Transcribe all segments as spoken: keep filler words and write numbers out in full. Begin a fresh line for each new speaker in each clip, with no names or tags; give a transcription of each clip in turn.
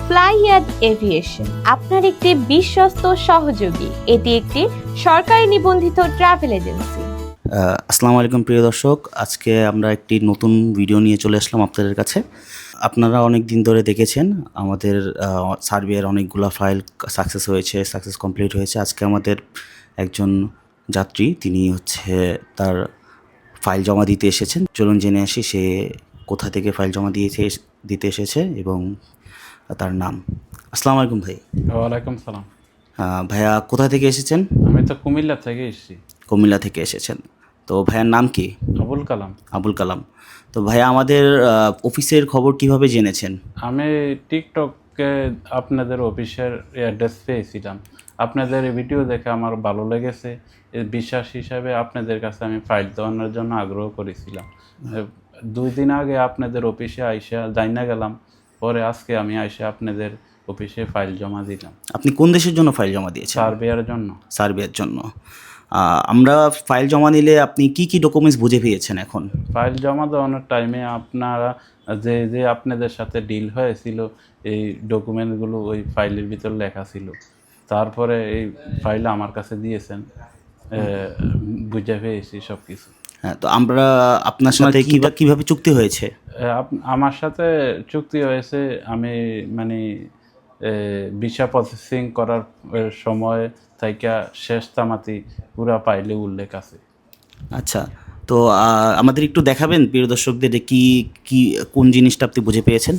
ফ্লাইয়াদ aviation আপনার একটি বিশ্বস্ত সহযোগী। এটি একটি সরকারি নিবন্ধিত ট্রাভেল এজেন্সি।
আসসালামু আলাইকুম প্রিয় দর্শক, আজকে আমরা একটি নতুন ভিডিও নিয়ে চলে আসলাম আপনাদের কাছে। আপনারা অনেক দিন ধরে দেখেছেন আমাদের সার্বিয়ার অনেকগুলো ফাইল সাকসেস হয়েছে, সাকসেস কমপ্লিট হয়েছে। আজকে আমাদের একজন যাত্রী তিনি হচ্ছে তার ফাইল জমা দিতে এসেছেন। চলুন জেনে আসি সে কোথা থেকে ফাইল জমা দিয়েছে দিতে এসেছে এবং তার নাম। আসসালামু আলাইকুম ভাই।
ওয়ালাইকুম সালাম।
ভাইয়া কোথা থেকে এসেছেন?
আমি তো কুমিল্লা থেকে এসেছি।
কুমিল্লা থেকে এসেছেন। তো ভাইয়ার নাম কি?
আবুল কালাম।
আবুল কালাম। তো ভাইয়া আমাদের অফিসের খবর কিভাবে জেনেছেন?
আমি টিকটকে আপনাদের অফিসের অ্যাড্রেস পেয়েছিলাম। আপনাদের ভিডিও দেখে আমার ভালো লেগেছে। বিশ্বাস হিসাবে আপনাদের কাছে আমি ফাইল দেওয়ানোর জন্য আগ্রহ করেছিলাম। দুই দিন আগে আপনাদের অফিসে আইসা জানা গেলাম, পরে আজকে আমি আইসা আপনাদের অফিসে ফাইল জমা দিলাম।
আপনি কোন দেশের জন্য ফাইল জমা দিয়েছেন?
সার্বিয়ার জন্য।
সার্বিয়ার জন্য। আমরা ফাইল জমা নিলে আপনি কি কি ডকুমেন্টস বুঝে পেয়েছেন? এখন
ফাইল জমা দেওয়ানোর টাইমে আপনারা যে যে আপনাদের সাথে ডিল হয়েছিল এই ডকুমেন্টগুলো ওই ফাইলের ভিতর লেখা ছিল। তারপরে এই ফাইল আমার কাছে দিয়েছেন, বুঝে পেয়েছি সব কিছু।
হ্যাঁ, তো আমরা আপনার সাথে কিভাবে চুক্তি হয়েছে?
আমার সাথে চুক্তি হয়েছে, আমি মানে ভিসা প্রসেসিং করার সময় থেকে শেষ তামাতি পুরা ফাইলে উল্লেখ আছে।
আচ্ছা, তো আমাদের একটু দেখাবেন প্রিয় দর্শকদের কি কি কোন জিনিসটা আপনি বুঝে পেয়েছেন?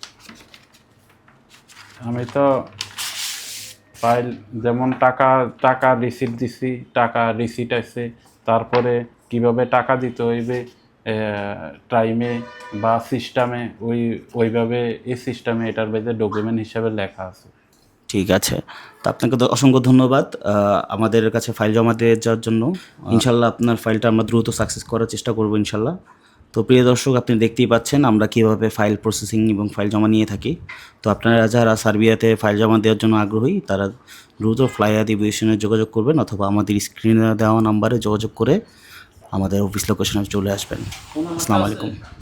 আমি তো ফাইল যেমন টাকা টাকা রিসিট দিছি, টাকা রিসিট আছে, তারপরে কিভাবে টাকা দিতে হইবে টাইমে বা সিস্টেমে, ওই ওইভাবে এই সিস্টেমে এটার ভেতরে ডকুমেন্ট হিসাবে লেখা আছে।
ঠিক আছে, তো আপনাকে তো অসংখ্য ধন্যবাদ আমাদের কাছে ফাইল জমা দিয়ে যাওয়ার জন্য। ইনশাল্লাহ আপনার ফাইলটা আমরা দ্রুত সাকসেস করার চেষ্টা করবো ইনশাল্লাহ। তো প্রিয় দর্শক, আপনি দেখতেই পাচ্ছেন আমরা কীভাবে ফাইল প্রসেসিং এবং ফাইল জমা নিয়ে থাকি। তো আপনারা যারা সার্বিয়াতে ফাইল জমা দেওয়ার জন্য আগ্রহী তারা দ্রুত ফ্লাইয়াদ এভিয়েশনে যোগাযোগ করবেন অথবা আমাদের স্ক্রিনে দেওয়া নাম্বারে যোগাযোগ করে আমাদের অফিস লোকেশনে চলে আসবেন। আসসালামু আলাইকুম।